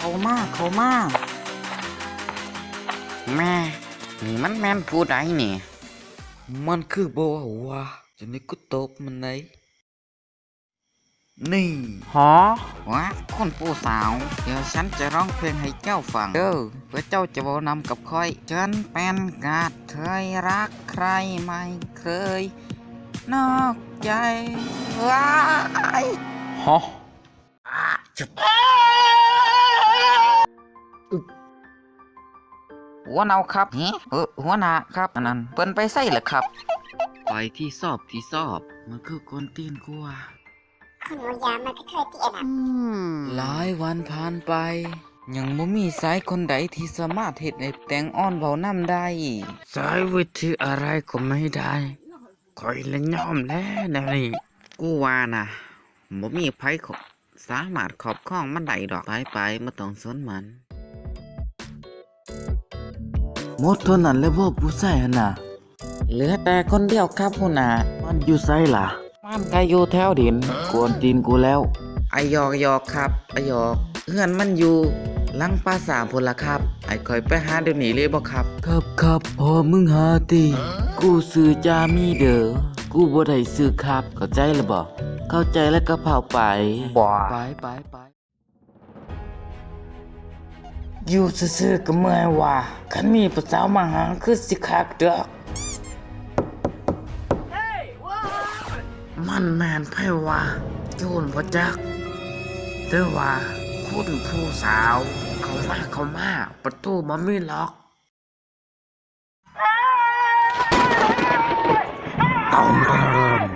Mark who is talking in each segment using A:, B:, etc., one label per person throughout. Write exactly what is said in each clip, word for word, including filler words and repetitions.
A: เขามาเขามาแม่นี่มันแม่นผู้ใดนี่มันคือบ่าวะจะนี่กูตบมันไหนนี่หอวะคุณผู้สาวเดี๋ยวฉันจะร้องเพลงให้เจ้าฟังเด้อเพื่อเจ้าจะเว้านำกับค่อยฉันเป็นกาดเธยรักใครไม่เคยนอกใจว้ายฮะจุดหัวเนาครับเออหัวหน้าครับอันนั้นเปิ้นไปใส่เหรอครับไปที่สอบที่สอบมันคือคนตีนกลัว
B: คนหัวยามันก็เคยตีอันนั้น
A: หลายวันผ่านไปยังบ่มีสายคนใดที่สามารถเฮ็ดให้แตงอ่อนเว้านำได้สายวิธีอะไรก็ไม่ได้คอยละยอมแล้วนะนี่กูว่านะบ่มีไผสามารถครอบครองมันได้ดอกไปไปบ่ต้องสนมันหมดเท่านั้นแล้วบ่ผู้ชายหั่นน่ะเหลือแต่คนเดียวครับหัวหน้ามันอยู่ไสล่ะมันก็อยู่แถวดินกวนตีนกูแล้วไอยอกยอกครับไอยอกเฮือนมันอยู่หลังปราสาทพุ่นล่ะครับไอคอยไปหาเดี๋ยวนี้เลยบ่ครับครับครับพอมึงหาติกูซื้อจามีเด้อกูบ่ได้ซื้อครับเข้าใจแล้วบ่เข้าใจแล้วก็เผาไปบ่ไปไปไปอยู่ซื่อๆก็เมื่อยว่ะคันมีผู้สาวมาหาคือสิคักเด้อมันแม่นไผว่าโจรบ่จักหรือว่าคุณผู้สาวเข้ามาเข้ามาประตูมันไม่ล็อกต้องเริ่ม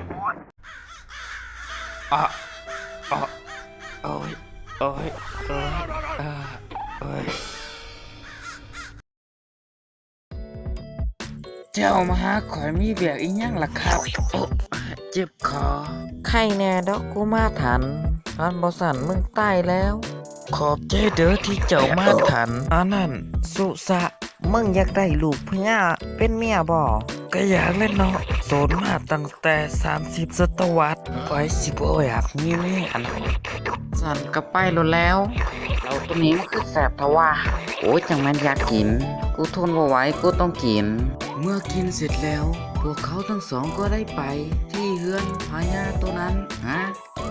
A: อ่ะอ่ะโอ้ยโอ้ยโอ้ยอ่าโอ้ยเจ้ามาหาข่อยมีเบียกอีหยังล่ะครับโอ้เจ็บคอไข้แน่ดอกกูมาทันอันบ่สั่นมึงตายแล้วขอบใจเด้อที่เจ้ามาทันอันนั้นสุสะมึงอยากได้ลูกพญาเป็นเมียบ่ก็อยากเล่นเนาะโสดมาตั้งแต่สามสิบศตวรรษไว้สิบ่อยากมีเมียอันสั่นก็ไปแล้วเราตัวนี้มันคือแสบทว่าโอ้ยจังแม่นอยากกินกูทนบ่ไหวกูต้องกินเมื่อกินเสร็จแล้วพวกเขาทั้งสองก็ได้ไปที่เฮือนพญาตัวนั้นฮะ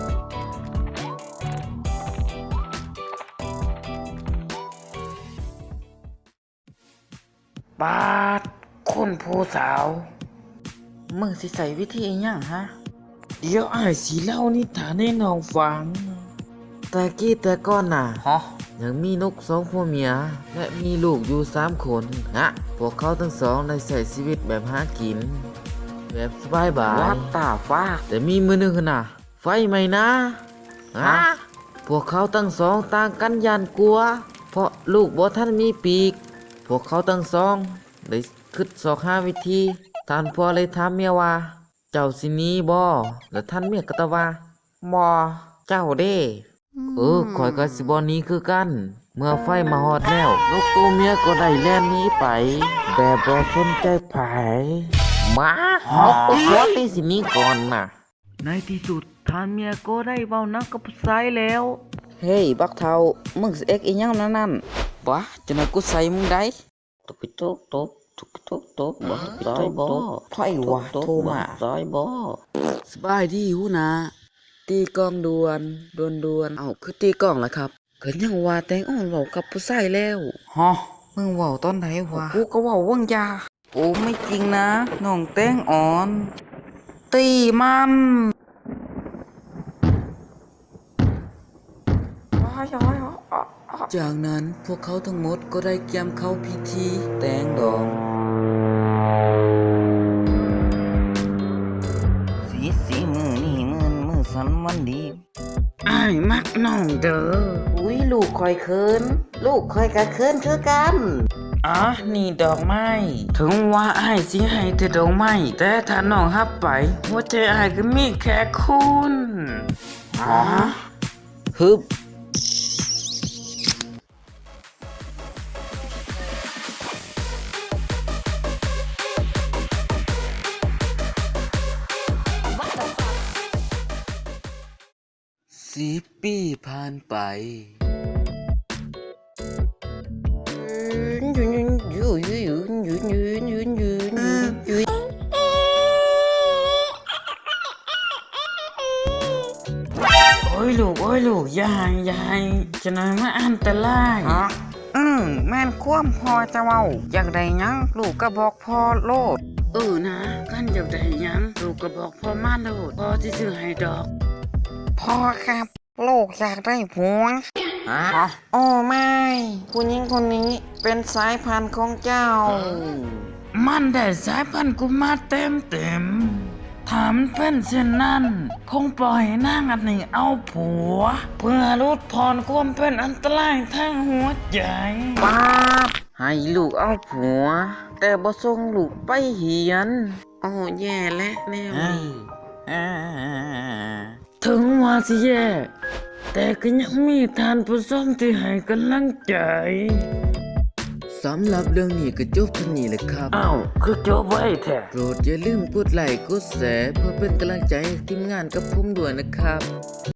A: ปาดคุณผู้สาวมึงสิใส่วิธีอีหยังฮะเดี๋ยวอ้ายสิเล่านิทานให้น้องฟังแต่กี้แต่ก่อนน่ะฮะยังมีนกสองผัวเมียและมีลูกอยู่สามคนฮะพวกเขาทั้งสองได้ใช้ชีวิตแบบหากินแบบสบายบายวัดตาฟ้าแต่มีมือหนึ่งน่ะไฟไหม้นะฮะพวกเขาทั้งสองต่างกันยานกลัวเพราะลูกบ่ทันมีปีกพวกเขาทั้งสองได้คิดสอกหาวิธีท่านพ่อเลยถามเมียว่าเจ้าสิหนีบ่แล้วท่านเมียก็ตอบว่าบ่เจ้าเด้เออข่อยก็สิบ่หนีคือกันเมื่อไฟมาฮอดแล้วนกตัวเมียก็ได้แล่นหนีไปแบบบ่สนใจไผมาฮอกตัวตีสิหนีก่อนน่ะในที่สุดท่านเมียก็ได้เว้านักกับผู้ชายแล้วเฮ้ยบักเฒ่ามึงสิเอ็กอีหยังนั่นนั่นบ่จังได๋กูใส่มึงได้ตบตบตบทุกทุกตบบ่ซอยบ่ไผวะโทรมาซอยบ่สบายดีหูนะตีกองด่วนด่วนด่วนเอ้าคือตีกองล่ะครับก็ยังว่าแตงอ่อนเว้ากับผู้ชายแล้วฮะมึงเว้าตอนไหนวะกูก็เว้าว่างยาโอ้ไม่จริงนะน้องแตงอ่อนตีมันจากนั้นพวกเขาทั้งหมดก็ได้เตรียมเข้าพิธีแตงดองสีสีมือนี่มือมือสันมันดีอ้ายมักน้องเด้ออุ้ยลูกคอยเคินลูกคอยกะเคินคือกันอ๋อนี่ดอกไม้ถึงว่าอ้ายสิให้แต่ดอกไม้แต่ถ้าน้องรับไปหัวใจอ้ายก็มีแค่คุณอ๋อฮึบสิบปีผ่านไปยืนยืนยืนยืนยืนยืนยืนยืนยืนยืนโอ้ยลูกโอ้ยลูกยายยายจะนายมาอันตรายฮะอืมแม่นความพอจะเว้าอยากได้หยังลูกก็บอกพ่อโลดเออนะกันอยากได้หยังลูกก็บอกพ่อมาโลดพ่อสิซื้อให้ดอกพ่อครับลูกอยากได้ผัวฮะโอ้ไม่ผู้หญิงคนนี้เป็นสายพันธุ์ของเจ้า มันได้สายพันธุ์กูมาเต็มเต็มถามเป็นเช่นนั้นคงปล่อยนางอันนี้เอาผัว เพื่อลดผ่อนความเป็นอันตรายทางหัวใจป้าบให้ลูกเอาผัว แต่บ่ส่งลูกไปเหียนโอ้แย่และแนวนี้ถึงว่าสิแย่แต่ก็ยังมีทานผู้ชมที่ให้กำลังใจสำหรับเรื่องนี้ก็จบเท่านี้แหละครับอ้าวคือจบไว้แท้โปรดอย่าลืมกดไลค์กดแชร์เพื่อเป็นกำลังใจให้ทีมงานกับผมด้วยนะครับ